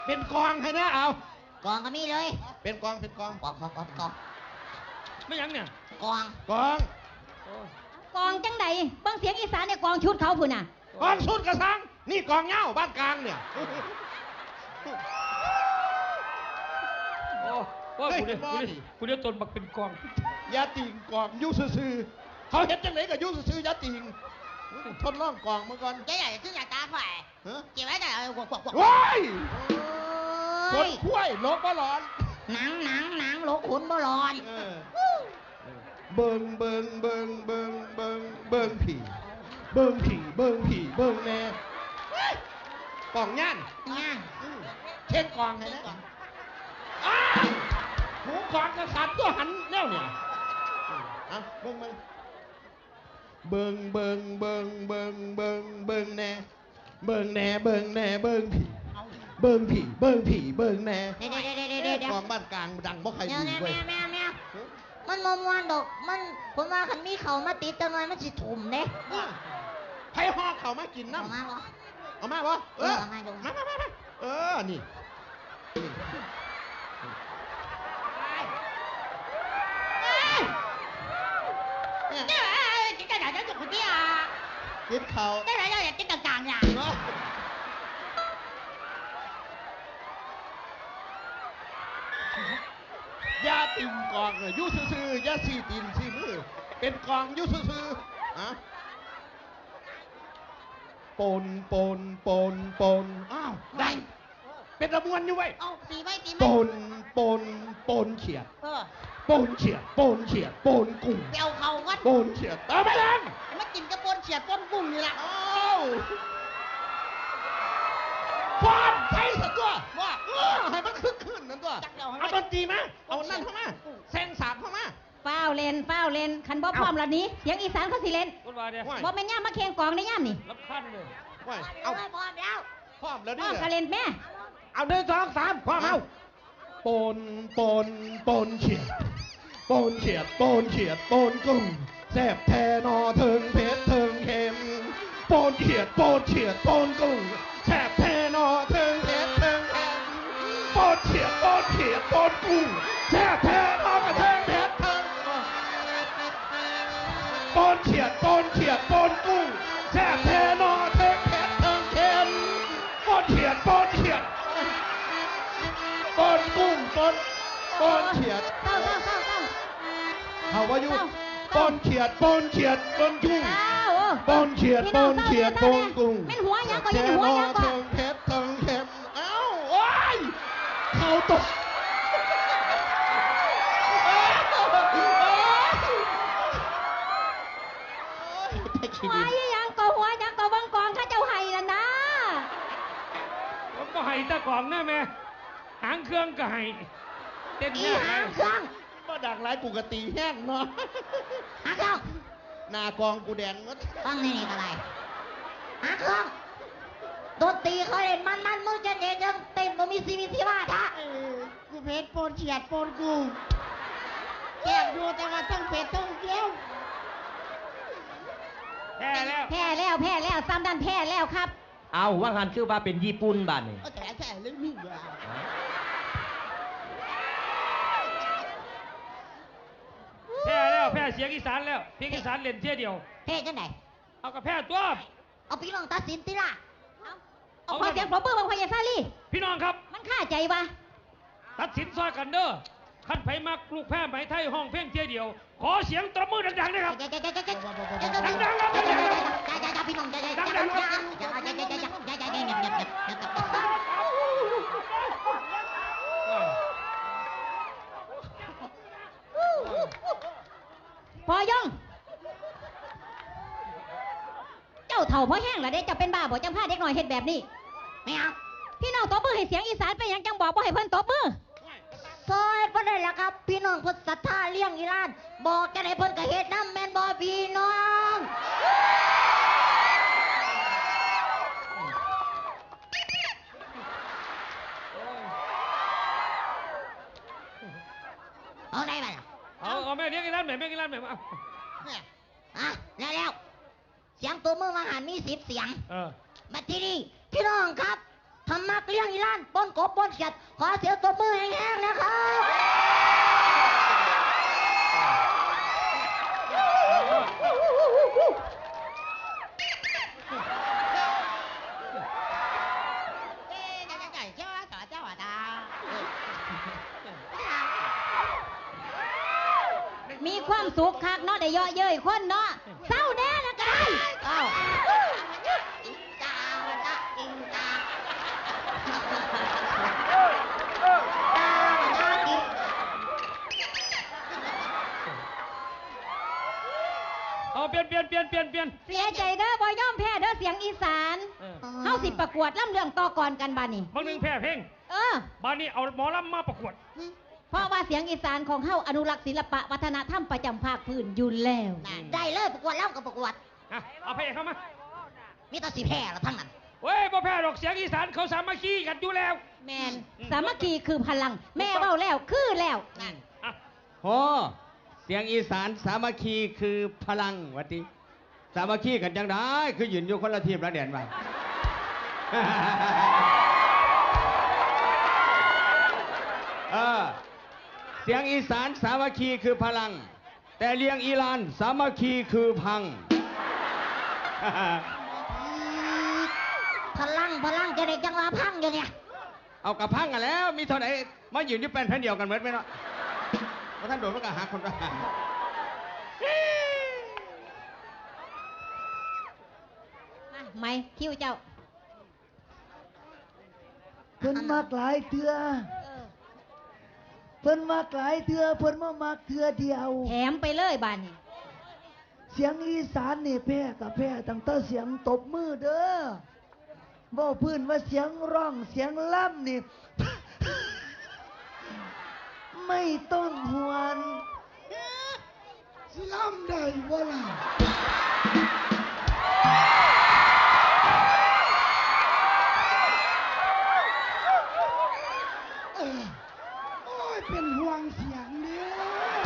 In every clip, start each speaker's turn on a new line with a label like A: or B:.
A: เป็นกองให้นะเอา
B: กองก็มีเลย
A: เป็นกอง
B: กอง
C: ไม่ยังเนี่ย
B: กอง
A: กอง
D: กองจังใดเบิ่งเสียงอีสานเนี่ยกองชุดเขาพุ่นน่ะ
A: กองสุดกระสังนี่กองเหย้าบ้านกลางเนี่ย
C: โอ้ว่าคุณเนี่ยตนบักเป็นกอง
A: ยาติงกองยุซื่อเขาเห็นจังไหนกับยุซื่อยาติงทดลองกองมาก่อน
B: เจ๊ใหญ่ขึ้นใหญ่ตาฝ่ายเจ๊ไว้แต่กวก
A: ว้ายค
B: โอ้
A: น
B: ย
A: คุ้ยลบมาร้อน
B: หนังโหลขุนบ่ร้อน
A: เบิงผีเบิงแน่กองย่าน
B: เนี่ย
A: เช่นกองให้นะหูกองกระสับตัวหันแนวเนี่ยเบิงแน่เบิงแน่
B: เดี๋ยว
A: กองบ้านกลางดังบ่ใคร
B: แม
A: ดีเว้ยว
B: มันมวนดอกมันผมว่าคันมีเขามาติดจังเลยมันสิถุ่มเด้
A: ให้หอกเขามากินน้ำ
B: มาบ่
A: เอามาบ่มานี่
B: กินกระดาษจะคุณพี่อ่ะ
A: กินเขา
B: ได้ไรอยากกินต่างๆอย่าง
A: ยาติงกองยุซื่อยาสีตินสีมือเป็นกองยุซื่อปนอ้าวได้เป็นระมวนอยู่ไว้
B: เอาตีไว้ตี
A: ป
B: ไม่
A: นเฉียด
B: ปนกุ้ง
A: เ
B: เปียวเขาวัด
A: ปนเฉียดตามไปแล้ว
B: มากินกระปนเฉียดปนกุ้งนี่แหละ
A: อ้าวฟอนไทยสักตัวว่าให้มันคึกคืนนั่นตัวเอาดนตรีมาเอานั่นเข้ามาแซงสาบเข้ามา
D: ฟ้าวเล่นคันบ่พร้อมแล้วนี้เสียงอีสานเขาสิเล่น
C: คนว่าเนี่ย
D: บ่แม่นย่ามมาเคียงกองในย่ามนี่
C: รับขั้นเลย
B: เอา
A: เอา
B: พร้อมแล้ว
A: พร้อมแล้ว
D: พร้
A: ดิ
D: อมก็เล่นแม่
A: เอา1 2 3พร้อมเอาปนเฉียดปนกุ้งแซ่บแทนอเทิงเพชรเทิงเค็มปนเฉียดปนกุ้งแซ่บแทนอเทิงเพชรเทิงเค็มปนเฉียดปนกุ้งแซ่บแทนอกระเทิงเพชรเทิงปนเฉียดปนกุ้งแซ่บแทนอเทิงเพชรเทิงเค็มปนเฉียดปนกุ้งปนเฉียด
D: เต้า
A: เขาว่าอยู่ปนเฉียดปนกุ้ง ปนเฉียดปนกุ้ง
D: เป็นหัวยังก็ยังหัวยังก็
A: เทิงเพชรเทิงเข็มเอ้าโอ้ยเขาตก
D: หัวยังก็หัวยังก็เบิ่งกองข้าเจ้าไห้นั่นนะ
C: ผมก็ให้ตะกล่องนะแม่หางเครื่องก็ให้เต้น
B: อี
C: เนี่ย
B: หางเครื่อง
A: มาดักหลายปกติแห้งเนาะ
B: หางเครื่อง
A: หน้ากองกูแดงหมด
B: ฟังนี่ก็ได้หางเครื่องดนตรีเขาเล่นมันมึงจะเด่นยังเต้นบ่มีชีวิตชีวาท่ากูเพชรปนเฉียดปนกุ้งแก้มดูแต่ว่าต้องเผ็ดต้องเกี้ยว
C: แพ้แล้ว
D: แพ้แล้วซ้ำดันแพ้แล้วครับ
E: เอาว่าหันคือว่าเป็นญี่ปุ่นบ้านนี่
B: แต่แค่เรื่องนี้ว่า
C: แพ้เสียงอีสานแล้วเพียงอีสานเล่นเที่ยเดียว
B: เฮ้จังไหน
C: เอากับแพ้ตัว
B: เอาพี่น้องตัดสินติล่ะ
D: เอาขอเสียงปรบมือบางพยาซาลี
C: พี่น้องครับ
D: มันฆ่าใจวะ
C: ตัดสินซอยกันเด้อขั้นไผมักลูกแพ้ไหมไทยห้องเพียงเที่ยเดียว ขอเสียงตบมือดังๆนะครับ ดังๆครับดังๆครับ
B: พี่น้องใจ
C: ดังๆครับ
D: พอยง เจ้าเถ่าเพราะแห้งละเด้เจ้าเป็นบ้าบ่จังพาเด็กหน่อยเฮ็ดแบบนี้
B: ไม่เอา
D: พี่น้องตบมือให้เสียงอีสานไปยังจังบอกบ่ให้เพิ่นตบมือ
B: ซอยเพิ่นได้แล้วครับพี่น้องเพิ่นศรัทธาเลี้ยงอีหลานบอกจะได้เพิ่นก็เฮ็ดนำแม่นบ่พี่น้องเอาได้บ่ล่ะ
C: เอาแม่เลี้ยงกันแล้วแม่เลี้ยงกันแล้วแม่เอา
B: แล้วเสียงตัวมือมาหันมี10เสียง
C: เออ
B: มาที่นี่พี่น้องครับทำมักเลี้ยงอีหลานปนกบปนเขียดขอเสียงตบมือแห้งๆนะครับ
D: มีความสุขคักเนาะได้เยาะเย้ยคนเนาะเศร้าแน่ละกัน
B: เอ้า
C: เอาเปลี่ยน
D: เสียใจเด้อบ่ยอมแพ้เด้อเสียงอีสานเฮาสิประกวดล่ำเรื่องต่อก่อนกันบัดนี้
C: บางหนึ่งแพ้เพลง บ้านนี้เอาหมอลำมาประกวด
D: เพราะว่าเสียงอีสานของเฮาอนุรักษ์ศิลปะวัฒนธรรมประจำภาคพื้นอยู่แล้ว
B: ได้เลยประกวดแล้วกับประกวด
C: เอาเพลงเข้ามา
B: มีแตาสีแพร่ละทั้งนั้น
C: เว้ยบ่แพ้ดอกเสียงอีสานเขาสามัคคีกันอยู่แล้ว
D: แมนสามัคคีคือพลัง แม่เว้าแล้วคือแล้ว
B: นั่น
C: อ่ะ
E: โอ้เสียงอีสานสามัคคีคือพลังวัติสามัคคีกันจังได้คือยืนอยู่คนละทีมละเด่นไป เสียงอีสานสามัคคีคือพลัง แต่เลียงอีลานสามัคคีคือพัง
B: พลังจะได้จังหวะพังอยู่เนี่ย
E: เอากระพังกันแล้ว มีเท่าไหร่มายืนที่เป็นแผ่นเดียวกันเหมือนไหมเนาะเพราะท่านโดนมันก็หาคนละ
D: มาไม่คิวเจ้า
F: เพิ่นมักหลายเทือเพิ่นมักหลายเทือเพิ่นมามักเทือเดียว
D: แถมไปเลยบานนี้
F: เสียงอีสานนี่แพ้กับแพ้ตั้งแต่เสียงตบมือเด้อบ่พื้นว่าเสียงร้องเสียงล่ำนี่ ไม่ต้องหวนสิล่ำได้บ่ล่ะโอ้ยเป็นห่วงเสียงเด้อ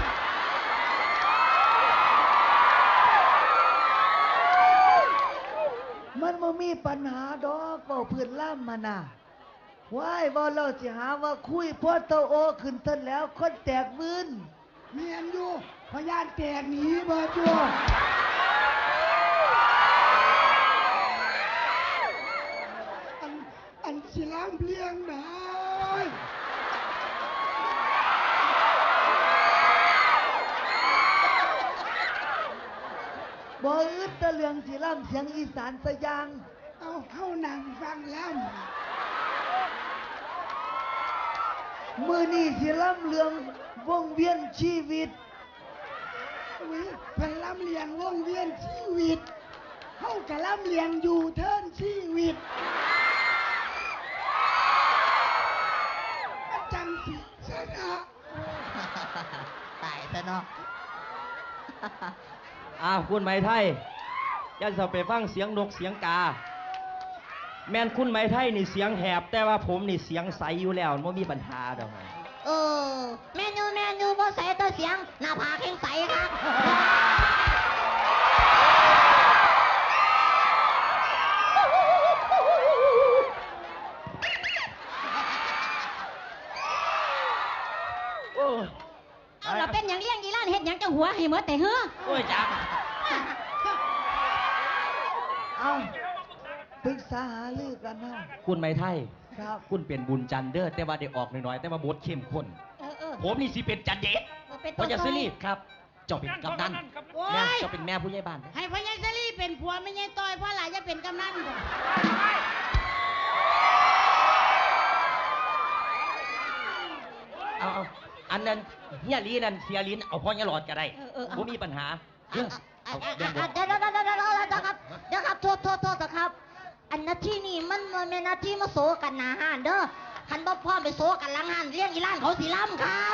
F: มันบ่มีปัญหาดอกเว้าพื้นล่ำมาน่ะว้ายบ่เราสิหาว่าคุยพอโตโอขึ้นทันแล้วคนแตกวืนเมียนอยู่พยานแตกหนีบ่จัวอันสิล้ำเลี้ยงได้บ่อึดแตะเรื่องสิล้ำเสียงอีสานสะยังเอาเข้านั่งฟังล้ำมือนี่สิล้ำเรื่องวงเวียนชีวิตเพิ่นล้ำเลียงวงเวียนชีวิตเฮากะล้ำเลียงอยู่เทินชีวิตมันจังสิชนะ
B: ตายซะเนาะ
E: คุณไหมไทยอย่าจะไปฟังเสียงนกเสียงกา แม่นคุณไหมไทยนี่เสียงแหบ แต่ว่าผมนี่เสียงใสอยู่แล้วไม่มีปัญหาดอกไง
B: เมนูบ่ใส่แต่เสียงหน้าผากแข็งใสครับ
E: โอ้ย
D: เอาเราเป็นอย่างเลี้ยงอีหล้านเฮ็ดหยังจังหัวให้หมดแต่เฮ้อ
E: โอ้ยจับ
F: เอาปรึกษาหารือกันนะ
E: คุณไหมไทย
F: ครับ
E: คุณเป็นบุญจันทร์เด้อแต่ว่าได้ออกน้อยๆแต่ว่าบทเข้มข้น ผมนี่สิเป็นจันเดช
D: เป็น
E: เพราะจะซื้อรีบครับ เจ้าเป็นกำนัน
B: โอ้
E: แม่
B: ย
E: เจ้าเป็นแม่ผู้ใหญ่บ้าน
B: ให้พ่อใหญ่ซะลี่เป็นผัวไม่ใช่ต้อยพ่อหลายจะเป็นกำนันก่อน
E: เอาอันนั้นเฮียลีนั่นเสียลินเอาพ่อเฮียหลอดก็ได้ผมมีปัญหาเรื่องเอาเรื่องบท
B: เดี๋ยวครับโทษครับ อันนาที่นี่มันเป็นนาที่มาโซกันหนาห้านเด้อคันบ่พ่อไปโซกันหลังห้านเลี้ยงอีหล้านเขาสิล้ำครับ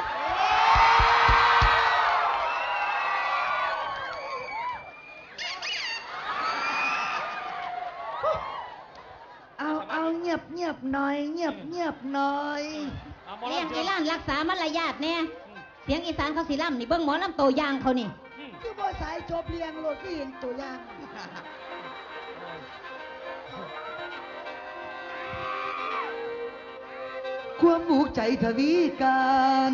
F: เอาเงียบหน่อยเงียบหน่อย
D: เลี้ยงอีหล้านรักษามารยาทแน่เสียงอีสานเขาสิล่ำนี่เบิ่งหมอลำโตวยางเขานี่
F: คือบ่สายจบเรียงโลดที่เห็นตัวอย่างความอุกใจทวีกัน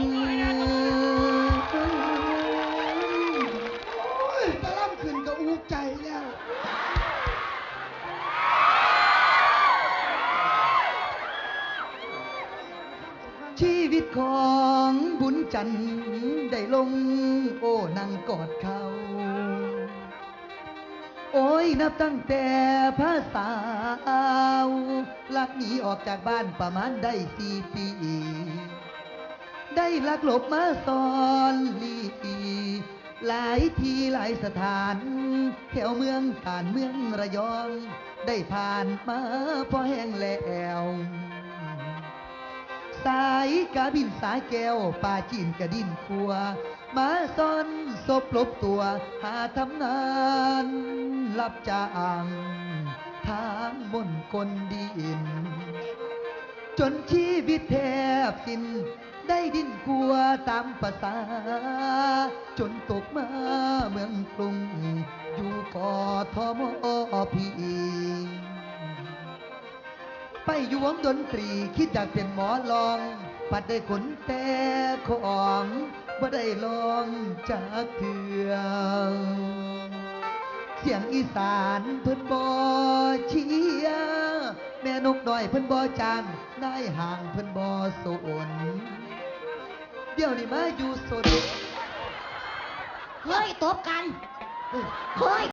F: โอ้ยตะล่ำขึ้นก็อุกใจแล้ว ชีวิตของบุญจันทร์ได้ลงโอ้นั่งกอดเขา โอ้ยนับตั้งแต่ภาษาวลักหนีออกจากบ้านประมาณได้4 ปี ได้ลักหลบมาซ่อนลีหลายทีหลายสถานแถวเมืองผ่านเมืองระยอง ได้ผ่านมาพอแห้งแล้ว สายกาบินสายแก้วป่าจีนกระดินขัว มาซ่อนศพลบตัวหาทำงานรับจ้างทางบนคนดิน จนชีวิตแทบสิ้นได้ดิ้นกลัวตามภาษา จนตกมาเมืองกรุง อยู่กทมพีไปอยู่วงดนตรีคิดอยากเป็นหมอลอง ปัดได้ขนแต่ของบ่ได้ลองจากเถื่อเสียงอีสานเพิ่นบ่เชียร์แม่นกน้อยเพิ่นบ่จางนายห่างเพิ่นบ่สนเดี๋ยวนี้มาอยู่สน
B: เฮ้ยตบกัน เฮ้ย